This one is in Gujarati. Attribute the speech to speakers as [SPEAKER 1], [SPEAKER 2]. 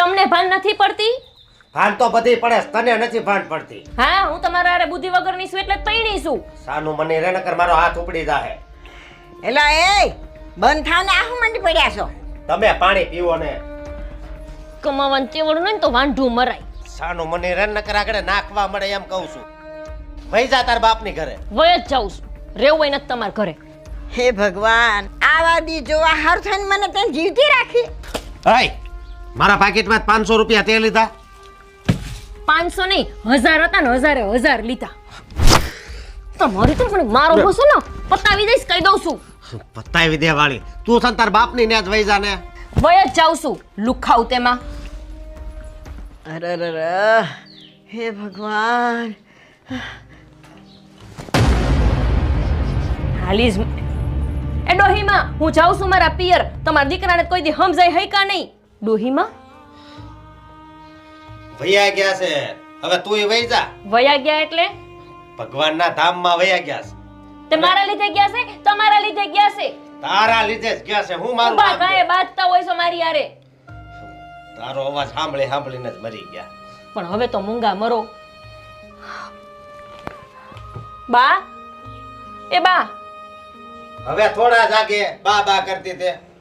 [SPEAKER 1] તમને ભાન નથી પડતી?
[SPEAKER 2] ભાન તો બધી પડે, તને નથી ભાન પડતી.
[SPEAKER 1] હા, હું તમારા હારે બુદ્ધિ વગરની છું એટલે જ પૈણી છું.
[SPEAKER 2] સાનું મને રે નકર મારો હાથ ઉપડી જાહે.
[SPEAKER 3] એલા એ બંધ થાને આહું મંડી પડ્યા છો.
[SPEAKER 2] તમે પાણી પીવો ને.
[SPEAKER 1] કમાવાનું તેવડ નહીં તો વાંઢું મરાય.
[SPEAKER 2] સાનું મને રે નકર આગળ નાખવા મળે એમ કહું છું. વઈ જા તાર બાપની ઘરે.
[SPEAKER 1] વય જ જાઉં છું. રેવું હોય નથી તમારા ઘરે.
[SPEAKER 3] હે ભગવાન, આવા દી જોવા હાર થઈને મને તને જીવતી રાખી.
[SPEAKER 2] હાય, મારા પાકીટમાં 500 રૂપિયા તે લીધા.
[SPEAKER 1] 500 નહીં, 1000 હતા ને 1000 લીધા. તમારી તો પણ મારો બસો ને પતાવી દઈશ કહી દઉં છું.
[SPEAKER 2] પતાવી દે વાળી. તું છે ને તાર બાપની ને જ વઈ જા ને.
[SPEAKER 1] વય જ જાઉં છું. લુખાવ તેમાં.
[SPEAKER 3] અરે હે ભગવાન.
[SPEAKER 1] હાલીજ એ ડોહીમાં હું જાઉં છું મારા પિયર. તમારા દીકરાને કોઈ દી સમજાય હઈ કા નહીં? ડોહીમાં
[SPEAKER 2] વૈયા ગયા છે. હવે તુંય વઈ જા.
[SPEAKER 1] વયા ગયા એટલે
[SPEAKER 2] ભગવાનના ધામમાં વયા ગયા છે.
[SPEAKER 1] તે મારા લીધે ગયા છે? તમારા લીધે ગયા છે?
[SPEAKER 2] તારા લીધે જ ગયા છે. હું મારું
[SPEAKER 1] ઉભા
[SPEAKER 2] નામ
[SPEAKER 1] કાંઈ
[SPEAKER 2] દે.
[SPEAKER 1] બાજતા હોય છો મારી હારે.
[SPEAKER 2] તારો અવાજ સાંભળીને જ મરી ગયા.
[SPEAKER 1] પણ હવે તો મૂંગા મરો. બા, એ બા,
[SPEAKER 2] હવે થોડા જાગે બા બા કરતી તે.